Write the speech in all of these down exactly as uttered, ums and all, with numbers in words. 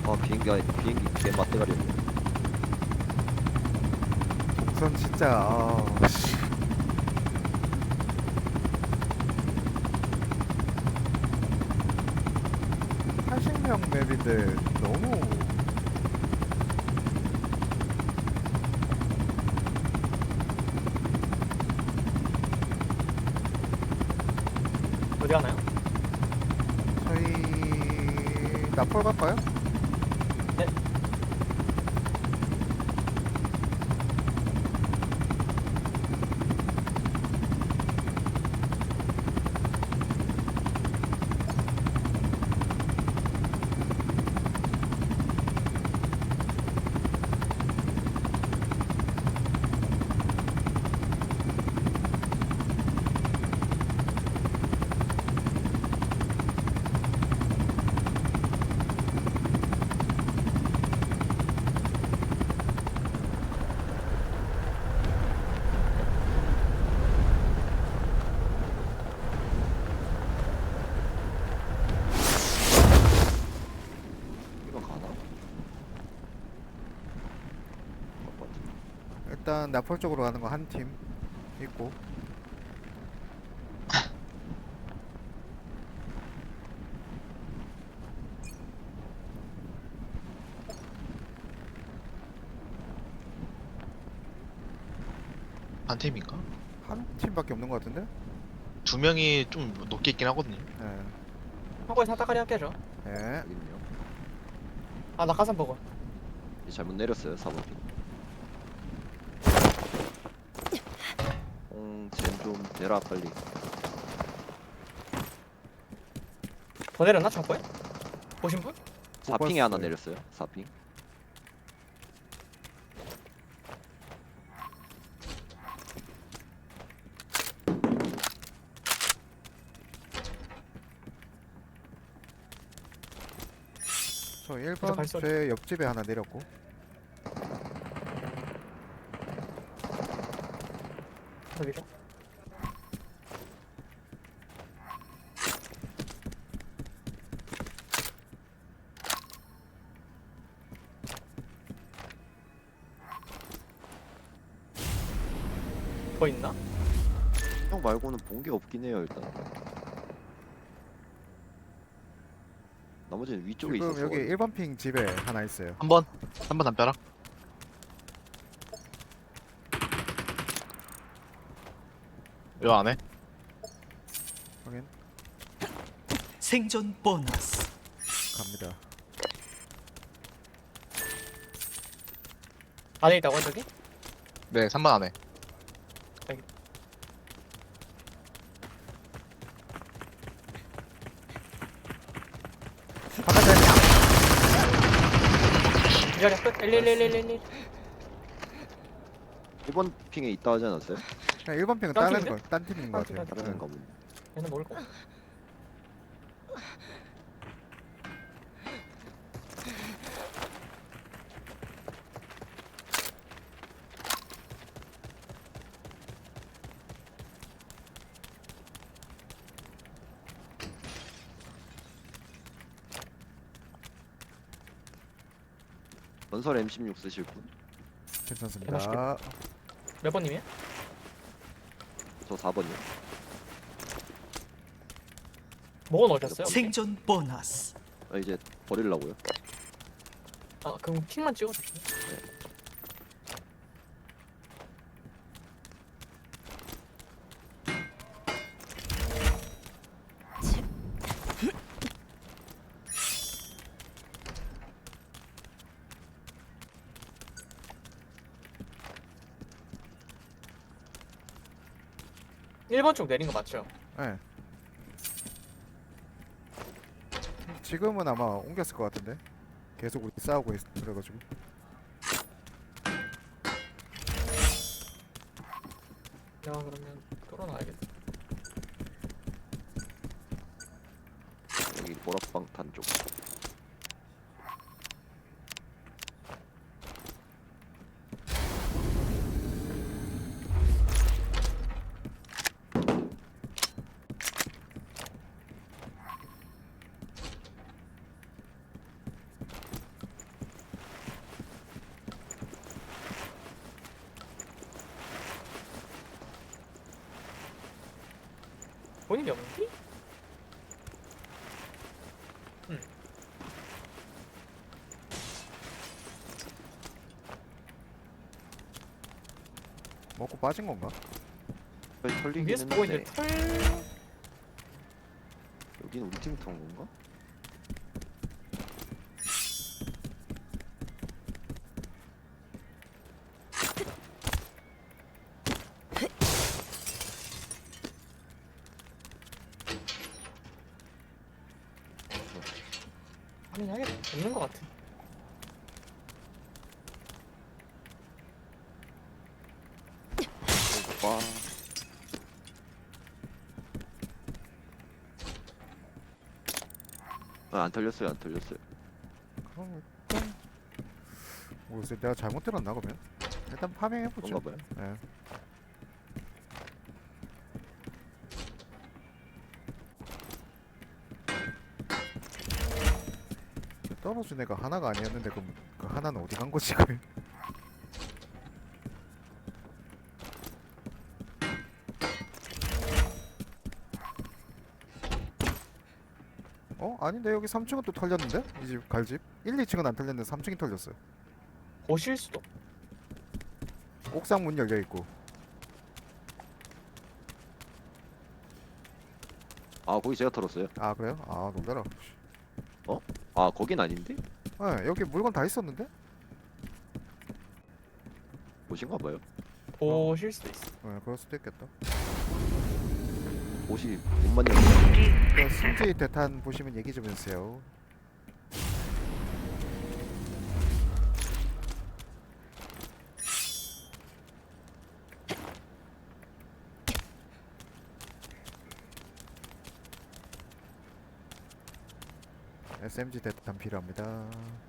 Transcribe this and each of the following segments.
아 비행기 아니 비행기 개 맞대가리. 우선 진짜 아, 씨. 팔십 명 맵인데 너무 어디 가나요? 저희 나폴 갈까요? 네. 이거 가나? 일단 나폴 쪽으로 가는 거 한 팀 있고 한 팀인가? 한 팀밖에 없는 것 같은데? 두 명이 좀 높게 있긴 하거든요. 네. 한국에 사다가리 함께 하죠. 네. 여기는요. 아 낙하산 보고. 이 잘못 내렸어요 사 번 핑. 홍젠좀 대라 빨리. 더 내렸나 창고에? 보신 분? 사 핑에 하나 봤어요. 내렸어요. 사 핑. 저 일 번 발소리. 제 옆집에 하나 내렸고 여기죠. 더 있나? 형 말고는 본 게 없긴 해요 일단. 나머지는 위쪽에 지금 있었어. 여기 일 번 핑 집에 하나 있어요. 한 번, 한 번 담벼락. 요 안에. 확인 생존 보너스. 갑니다. 안에 있다고 저기? 네, 삼 번 안에. 바깥에 기다려 끝. 일일일일일. 일 번 핑에 있다 하지 않았어요? 그냥 일 번 핑은 딴 다른 팀인데? 거, 딴 팀인 것 딴 같아요. 팀, 딴 다른 네. 가 보네. 얘는 모를 거야. 전설 엠 십육 쓰실 분? 괜찮습니다. 몇 번님이야? 저 사 번이요. 뭐가 넣으셨어요? 생존 보너스. 아, 이제 버리려고요. 아 그럼 핑만 찍어주시면. 일 번 쪽 내린 거 맞죠? 네. 지금은 아마 옮겼을 것 같은데. 계속 우리 싸우고 있, 그래가지고. 내가 그러면 뚫어놔야겠다. 여기 보락방탄 쪽. 본인 연기? 먹고 빠진 건가? 거의 털리긴 위에서 보고 했는데 있는데 털 여긴 우리 팀이 턴 건가? 확인해야겠다. 없는 것 같아. 와. 아, 안 털렸어요, 안 털렸어요. 그럼 일단 모르겠어요. 내가 잘못 들었나 그러면? 일단 파밍해보죠. 그런가 봐요. 예. 떨어진 애가 하나가 아니었는데 그럼 그 하나는 어디 간 거지 그? 어? 아닌데 여기 삼 층은 또 털렸는데? 이 집 갈집? 일, 이 층은 안 털렸는데 삼 층이 털렸어요. 보실 수도. 옥상 문 열려 있고. 아, 거기 제가 털었어요. 아 그래요? 아 놀래라. 아, 거긴 아닌데? 예, 여기 물건 다 있었는데? 보신가 봐요. 보실 수도 있어. 예, 그럴 수도 있겠다. 옷이 못만 열면 그 승지 대탄 보시면 얘기 좀 해주세요. 에스엠지 대탄 필요합니다.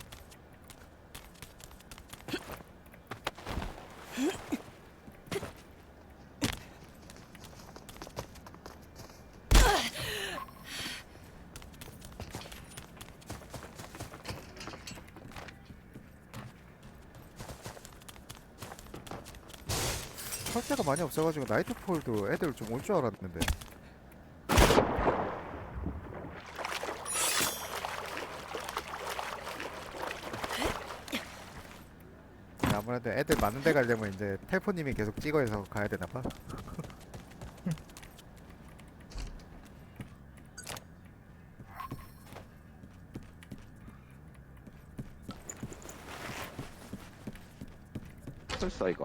철제가 많이 없어가지고 나이트폴도 애들 좀 올 줄 알았는데. 아무래도 애들 많은 데 가려면 이제 텔포님이 계속 찍어서 가야 되나봐. 설사이가.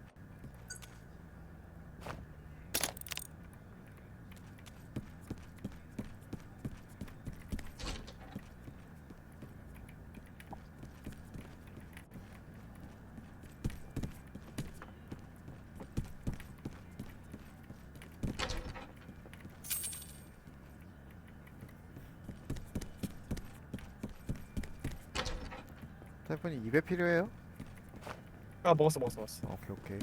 텔포님 입에 필요해요? 아 먹었어 먹었어 먹었어. 오케이 오케이.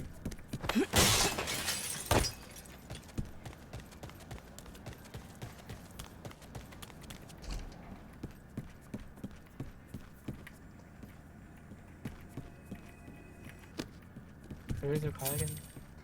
슬슬 가야겠네.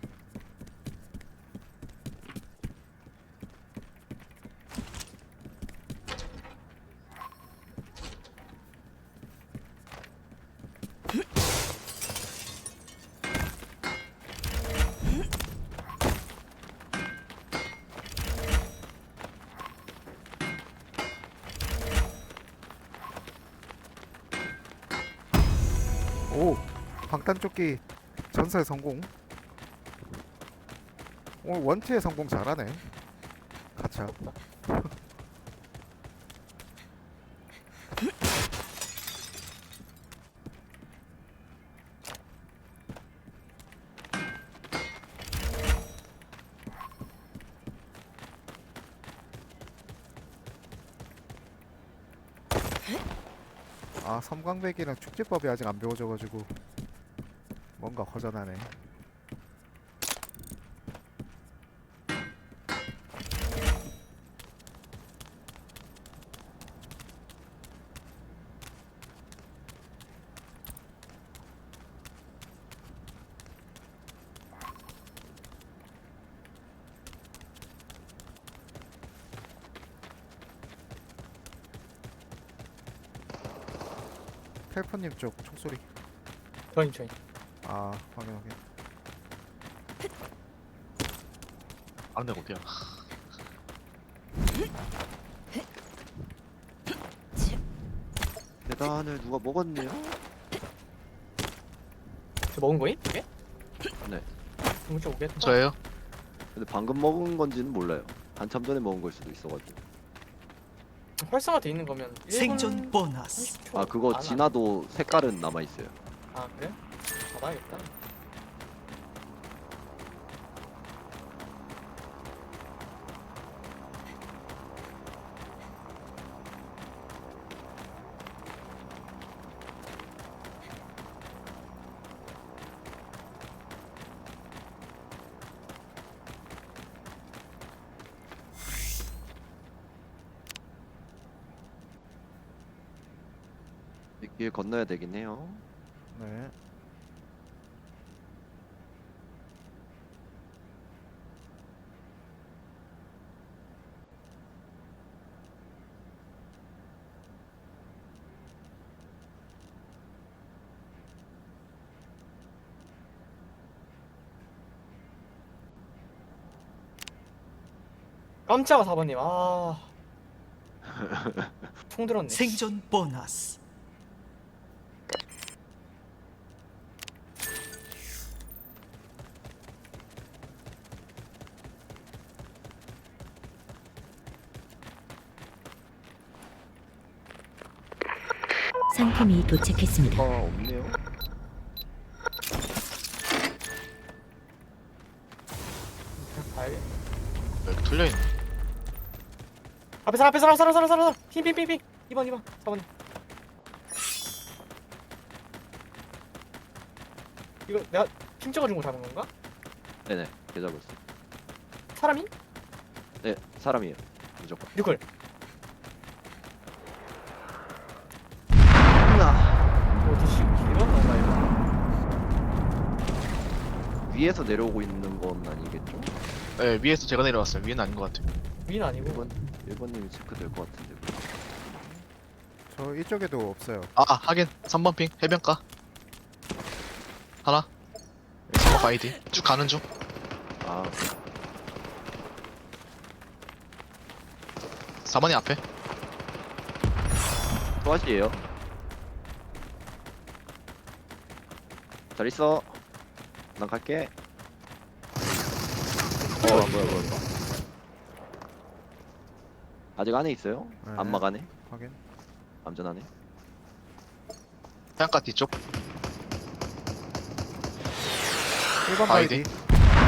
오! 방탄조끼 전설 성공. 오늘 원티의 성공 잘하네. 가차. 아 섬광백이랑 축지법이 아직 안 배워져가지고 뭔가 허전하네. 텔포님 쪽 총소리. 저인 저인. 아 확인 확인. 안 돼, 어디야? 계단을 누가 먹었네요? 저 먹은 거임? 이게? 네. 문자 오겠다. 저예요? 근데 방금 먹은 건지는 몰라요. 한참 전에 먹은 걸 수도 있어가지고. 활성화돼 있는 거면 일 분 생존 보너스. 삼십 초 아 그거 안 하- 지나도 색깔은 남아 있어요. 아 그래? 받아야겠다. 이 길 건너야 되긴 해요. 네. 깜짝아 사번님. 아. 총 들었네. 생존 보너스. 상품이 도착했습니다. 아 없네요. 그냥 가야겠네. 여기 뚫려있네. 앞에 사람 앞에 사람 사람 사람 사람 핑핑핑핑 이 번 이 번 사번님. 이거 내가 핑 찍어준 거 잡은 건가? 네네. 계좌고 있어. 사람이? 네 사람이에요. 무조건. 뉴클. 어디씨 이런 건가 이거? 위에서 내려오고 있는 건 아니겠죠? 네, 위에서 제가 내려왔어요. 위는 아닌 것 같아요. 위는 아니고. 일 번 일 번님이 체크될 것 같은데. 저 이쪽에도 없어요. 아, 아 하긴 삼 번 핑 해변가 하나. 삼 번 아이디 쭉 가는 중. 아 사 번이 앞에. 또하시에요. 잘 있어. 난 갈게. 어 뭐야 뭐야 뭐야. 아직 안에 있어요? 네. 안막 안에? 확인. 암전 안에? 해안가 뒤쪽. 일 번 아이디. 바이디.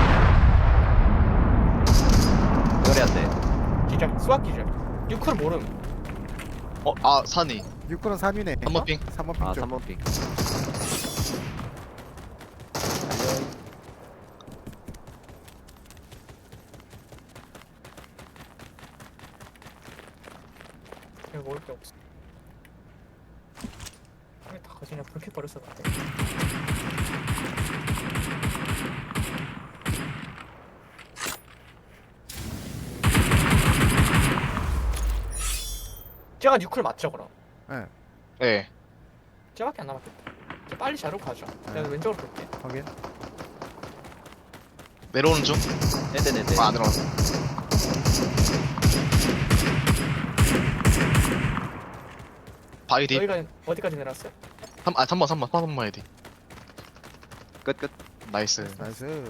그래야 돼. 기절. 수학 기절. 뉴클 모름. 어, 아 산이. 육 번은 삼 위네. 삼 번 핑. 삼 번 핑 아 쪽. 삼 번 핑. 내가 먹을 게 없어. 왜 다 그냥 그렇게 버렸어 근데. 제가 뉴클 맞죠 그럼? 네. 예. 쟤밖에 안 남았겠다. 쟤 빨리 자로 가죠. 네. 내가 왼쪽으로 볼게. 확인. 내려오는 중. 네네네네. 아, 안 내려왔어. 바이디. 저희가 어디까지 내렸어요? 삼, 아, 삼 번, 삼 번, 삼 번 바이디. 끝 끝. 나이스. 나이스.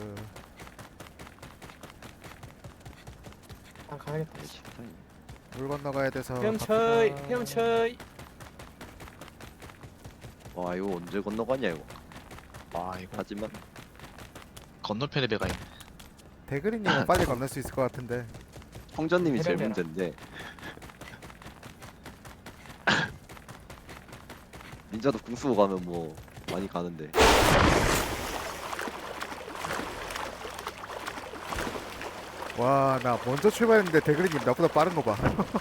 아 가야겠다. 물 건너가야 돼서. 헤엄쳐이 갑시다. 헤엄쳐이. 와 이거 언제 건너가냐 이거. 와, 이거 하지만 건너편에 배가 있네. 대그리님은 빨리 건널 수 있을 것 같은데. 홍전님이 제일 해변대라. 문제인데. 닌자도 궁 쓰고 가면 뭐 많이 가는데. 와, 나 먼저 출발했는데 대그리님 나보다 빠른 거 봐.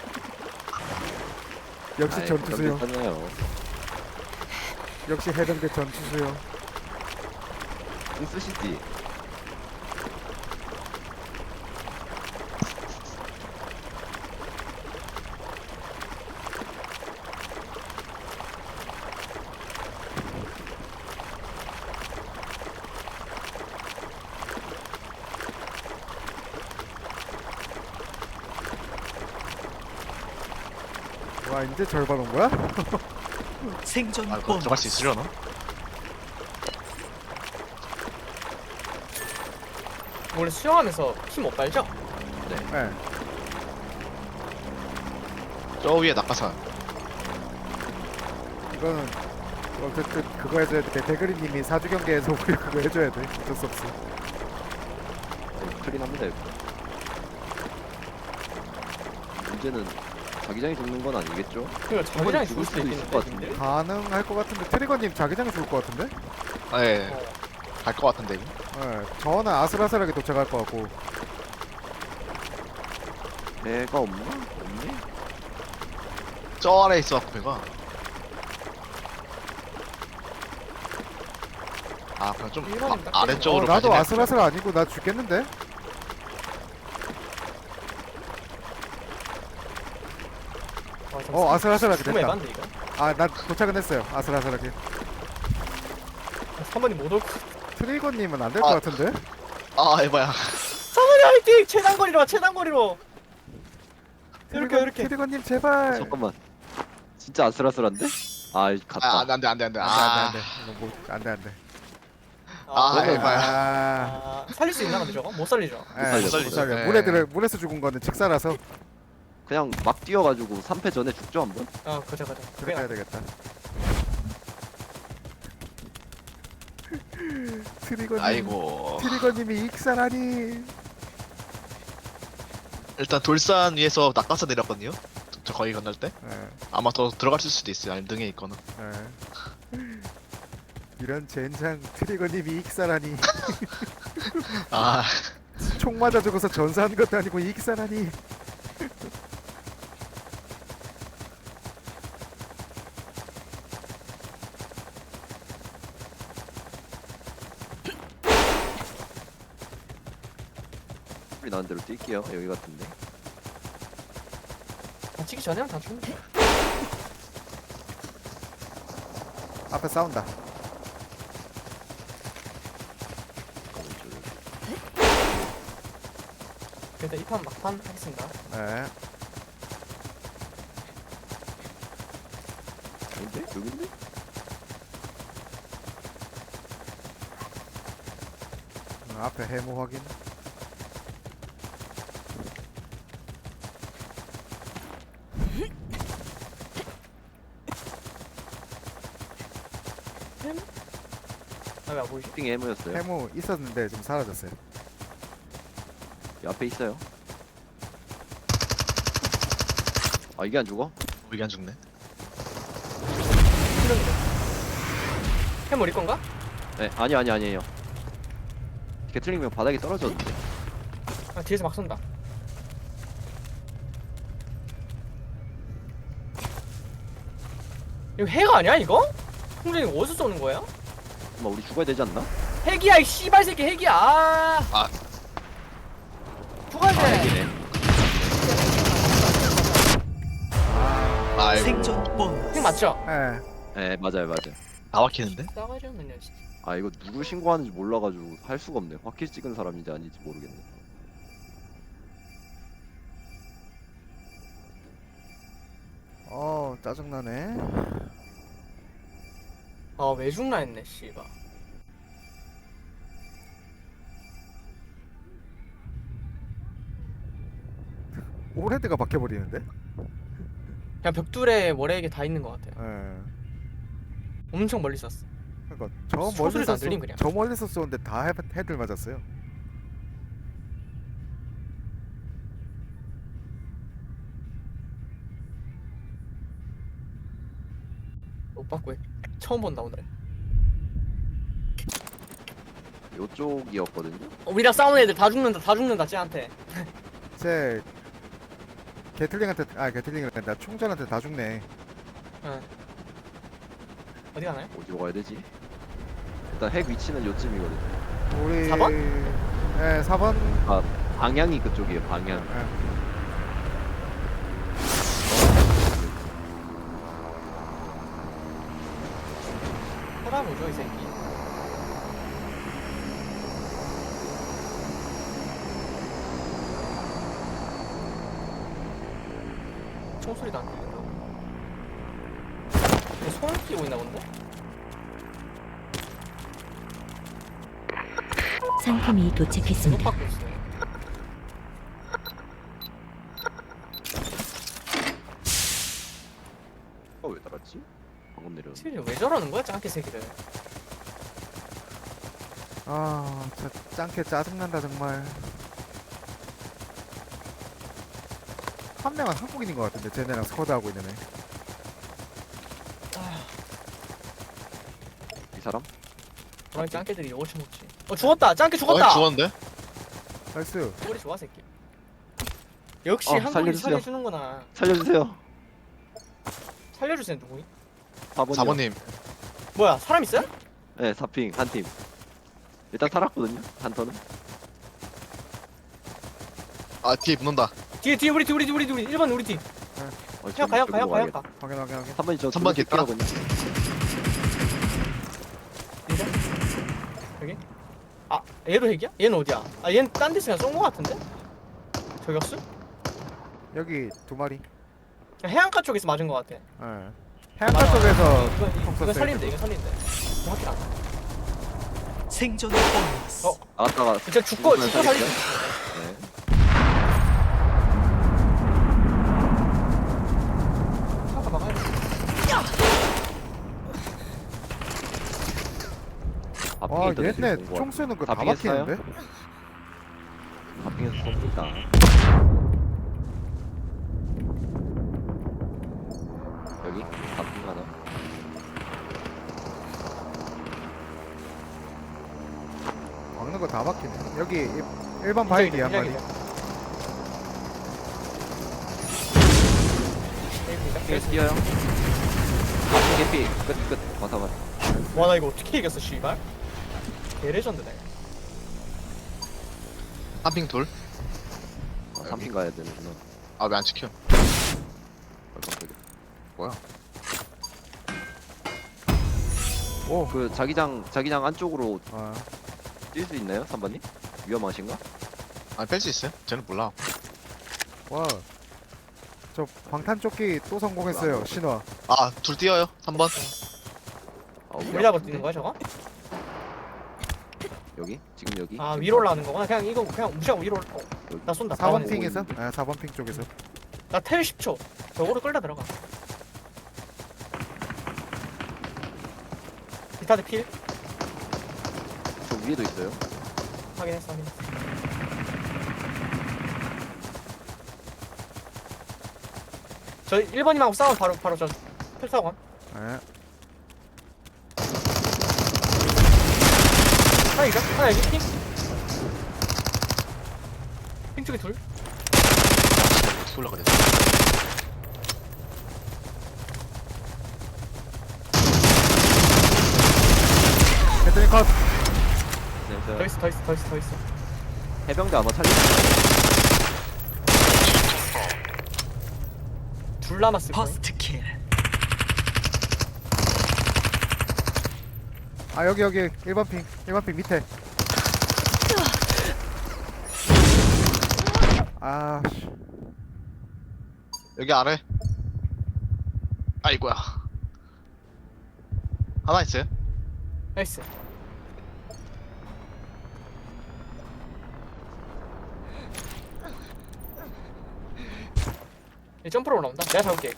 역시 아이, 전투수요. 괜찮아요. 역시 해병대 전투수요. 궁 쓰시지. 와 이제 절반 온 거야? 생존 아, 그거 보너스. 들어갈 수 있으려나? 원래 수영하면서 피 못 빨죠? 네. 저 위에 낙하산. 이거는 어쨌든 그거 해줘야 돼. 대그리님이 사주 경계에서 우리 그거 해줘야 돼. 어쩔 수 없어. 네, 클린합니다 이거. 문제는 자기장이 죽는 건 아니겠죠? 그리고 자기장이 죽을 죽을 수도 수도 있을 것 있겠는데 같은데. 가능할 것 같은데 트리거님 자기장이 좋을 것 같은데? 네, 어. 갈 것 같은데 이거. 네. 저는 아슬아슬하게 도착할 것 같고. 배가 없나? 없네? 저 아래에 있어갖고 배가. 아, 그냥 좀 일반인 딱 아, 아래쪽으로 어, 나도 가시네. 아슬아슬 아니고 나 죽겠는데? 와, 잠시만. 어 아슬아슬하게 죽으면 됐다. 에반데 이거? 아 난 도착은 했어요. 아슬아슬하게. 삼 번이 못 올 것 같아. 트리거님은 안 될 것 아. 같은데? 아, 에바야. 삼 번이 화이팅! 최단거리로 와 최단거리로! 이렇게 트리거- 이렇게 트리거님 제발. 잠깐만. 진짜 아슬아슬한데? 아 아, 갔다. 안돼 안돼 안돼 안돼. 안돼 아, 안돼 안돼. 뭐, 안돼 안돼. 아, 그러면- 에바야. 아. 아, 살릴 수 있나 근데 저거? 못 살리죠? 예, 살려, 못 살리죠. 살려. 예. 물에 들어 물에서 죽은 거는 직사라서 그냥 막 뛰어가지고 삼 패 전에 죽죠 한번? 아 그죠 그죠 그렇게 해야 되겠다. 트리거님. 아이고. 트리거님이 익사라니. 일단 돌산 위에서 낙하산 내렸거든요. 저, 저 거기 건널 때 예, 아마 더 들어갈 수도 있어요. 아니면 등에 있거나. 예. 이런 젠장 트리거님이 익사라니. 아, 총 맞아 죽어서 전사한 것도 아니고 익사라니. 소리 나는 대로 뛸게요. 여기 같은데. 아, 치기 전에 다 죽는 데 앞에 싸운다. 일단 이 판 막판 하겠습니다. 예. 아닌데? 여긴데? 어, 앞에 해무 확인. 아 왜 안 보이지? 핑 해무였어요. 해무 있었는데 좀 사라졌어요. 이 앞에 있어요. 아 이게 안 죽어? 이게 안 죽네. 수령이네. 해머리 건가? 네 아니 아니 아니에요. 게틀링면 바닥에 떨어졌는데. 아 뒤에서 막 쏜다. 이거 핵 아니야 이거? 홍준이 이거 어디서 쏘는 거야? 엄마 우리 죽어야 되지 않나? 핵이야 이 씨발 새끼 핵이야. 아. 아. 죽어야 아 돼. 핵이네. 아이고. 생존 보너스. 핵 맞죠? 예. 네 맞아요 맞아요. 다 막히는데? 싸가지 없는 년 진짜. 아 이거 누구 신고하는지 몰라가지고 할 수가 없네. 확킬 찍은 사람인지 아닌지 모르겠네. 어 짜증나네. 아왜 죽나 했네 씨발. 오레드가 박혀버리는데? 그냥 벽돌에 월에게 다 있는 것 같아요. 예. 엄청 멀리 쐈어. 그러니까 저 소리도 멀리서 안 들림, 쏘, 그냥. 저 멀리서 쏘는데 다 헤, 헤들 맞았어요. 못 받고 처음 본다 오늘. 요쪽이었거든요. 어, 우리랑 싸우는 애들 다 죽는다 다 죽는다 쟤한테. 제 게틀링한테 아 게틀링이란다 총전한테 다 죽네. 응. 어디 가나요? 어디로 가야 되지? 일단 핵 위치는 요쯤이거든. 우리 사 번? 예, 사 번. 방향이 그쪽이에요. 방향. 예. 살아보죠 이 새끼. 총소리도 안 들린다. 손을 끼고 있나 본데? 상품이 계속 도착했습니다. 받고 있어. 어, 왜 달았지? 방금 내려. 티비 왜 저러는 거야 짱깨 새끼들. 아, 저 짱캐 짜증난다 정말. 한 명은 한국인인 것 같은데 쟤네랑 스쿼드 하고 있는 애. 이 사람? 그런 짱깨들이 요거치 먹지. 어 죽었다. 짱깨 죽었다. 어, 죽었는데? 나이스. 머리 좋아 새끼. 역시 어, 한국인 살려주세요. 살려주는구나. 살려주세요. 살려주세요 누구이? 사 번이요. 사 번님. 뭐야 사람 있어요? 네, 사 핑 한 팀. 일단 살았거든요. 한 턴은. 아, 뒤에 붙는다. 뒤에 뒤에 우리 뒤 우리 뒤 우리 뒤 우리 일 번 우리 뒤. 어, 형 가요 가요 가요 가. 확인 확인 확인. 삼 번이 저 삼 번 겠다. 거든요. 이거? 여기? 아 얘도 핵이야? 얘는 어디야? 아 얘는 딴 데서 그냥 쏜거 같은데? 저격수? 여기 두 마리. 그냥 해안가 쪽에서 맞은 거 같아. 예. 해안가 쪽에서 이거 총 이거 쐈어요, 살린대 이거. 이거 살린대. 이거 확인 안 해. 생존의 보너스. 어? 나갔다가 진짜 죽고 죽으면 죽고 살린. 살릴게요. 네. 차가 막아야 돼. 와, 바핑에 얘네 총 쏘는 거 다 바핑에 써요? 막히는데? 바핑에서 쏩니다. 여기 바핑 하나. 막는 거 다 막히네. 여기 일- 일반 바이디 한 마리. 계속 뛰어요. 바핑 개피 끝끝 와서 와나 이거 어떻게 이겼어 씨발? 개레전드네. 한 핑 돌. 삼 핑 가야 되는구나. 아, 왜 안 찍혀? 어, 깜짝이야. 뭐야? 오. 그 자기장 자기장 안쪽으로 아, 뛸 수 있나요, 삼 번님? 위험하신가? 아, 뺄 수 있어요? 쟤는 몰라. 와. 저 방탄 조끼 또 성공했어요. 신화. 아, 둘 뛰어요. 삼 번. 아, 우리 우리 잡아 앞인데? 뛰는 거야 저거? 여기? 지금 여기? 아 지금 위로 올라가는 거구나. 그냥 이거 그냥 무시하고 위로. 어, 여기. 나 쏜다. 사 번 나 핑에서? 아, 사 번 핑 쪽에서. 나텔 십 초. 저거로 끌다 들어가. 비타드 필 저 위에도 있어요. 확인했어 확인했어. 저 일 번님하고 싸워 바로 바로 저 필사원. 예. 하나 이거 하나 여기 핑. 핑 쪽에 둘. 어떻게 올라가래? 헤드링 컷. 네, 저 더 있어 더 있어 더 있어 더 있어. 해병대 아마 살릴 둘 남았을 거야. 퍼스트 킬. 아, 여기 여기 일 번 핑. 일 번 핑 밑에. 아, 씨. 여기 아래. 아이고야. 하나 있어요? 나이스. 얘 점프로 올라온다. 내가 잡을게.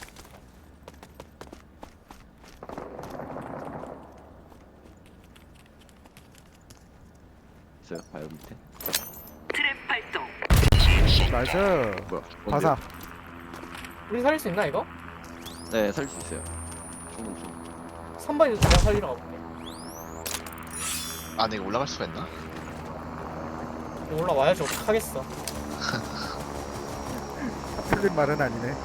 있어요. 바이오 밑에. 트랩 발동. 나이스. 뭐야? 바사. 우리 살릴 수 있나 이거? 네, 살릴 수 있어요. 충분 충분. 삼 번에서 내가 살리러 가볼게. 아, 내가 올라갈 수가 있나? 올라와야지 어떡하겠어. 틀린 말은 아니네.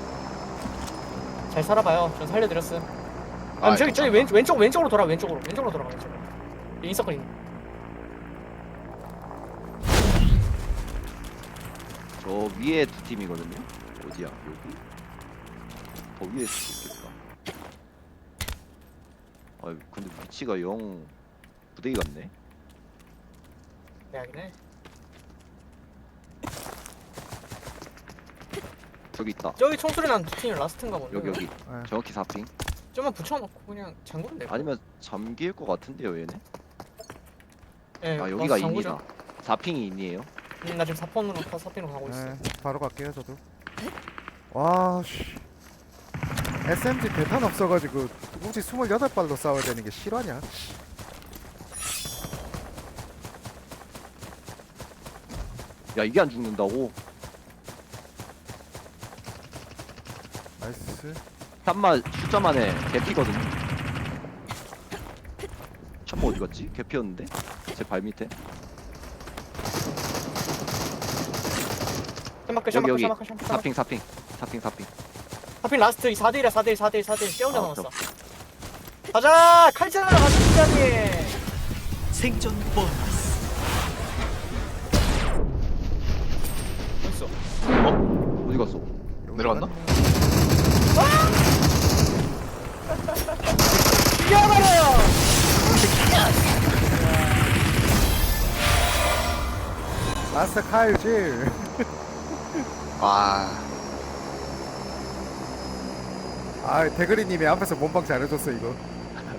잘 살아봐요. 전 살려드렸음. 아, 아, 저기 저기 감사합니다. 왼쪽 왼쪽 왼쪽으로 돌아 왼쪽으로 왼쪽으로 돌아가 왼쪽으로. 인서클 있는. 저 위에 두 팀이거든요. 어디야? 여기? 더 위에 수도 있겠다. 아 근데 위치가 영 부대기 같네. 네 하긴 해. 저기 있다. 저기 총소리 난두 팀이 라스트인가 보네. 여기 여기. 예. 정확히 사 핑. 좀만 붙여놓고 그냥 잠그면 돼. 아니면 잠길 것 같은데요 얘네? 예, 아 여기가 와서 인이다. 잠그죠. 사 핑이 인이에요? 음, 나 지금 사 폰으로 사 핀으로 가고 있어. 네, 바로 갈게요 저도. 와 씨. 에스엠지 대탄 없어가지고 굳이 스물여덟 발로 싸워야 되는 게 실화냐? 야 이게 안 죽는다고? 나이스. 참마 숫자만에 개피거든요. 참마 어디 갔지? 개피였는데? 제 발 밑에. 샤마크 여기 샤마크 여기 샤마크 샤마크. 사 핑 사 핑 사 핑 사 핑. 하필 라스트 사 대 일이야 사 대 일 사 대 일 사 대 일 쟤 혼자 아, 남았어. 가자 칼자라 가자 팀장님. 생존 보너스. 어딨어? 어디 갔어? 내려갔나? 죽여버려요. 마스터 카일질. 와 아 대그리님이 앞에서 몸빵 잘해줬어 이거.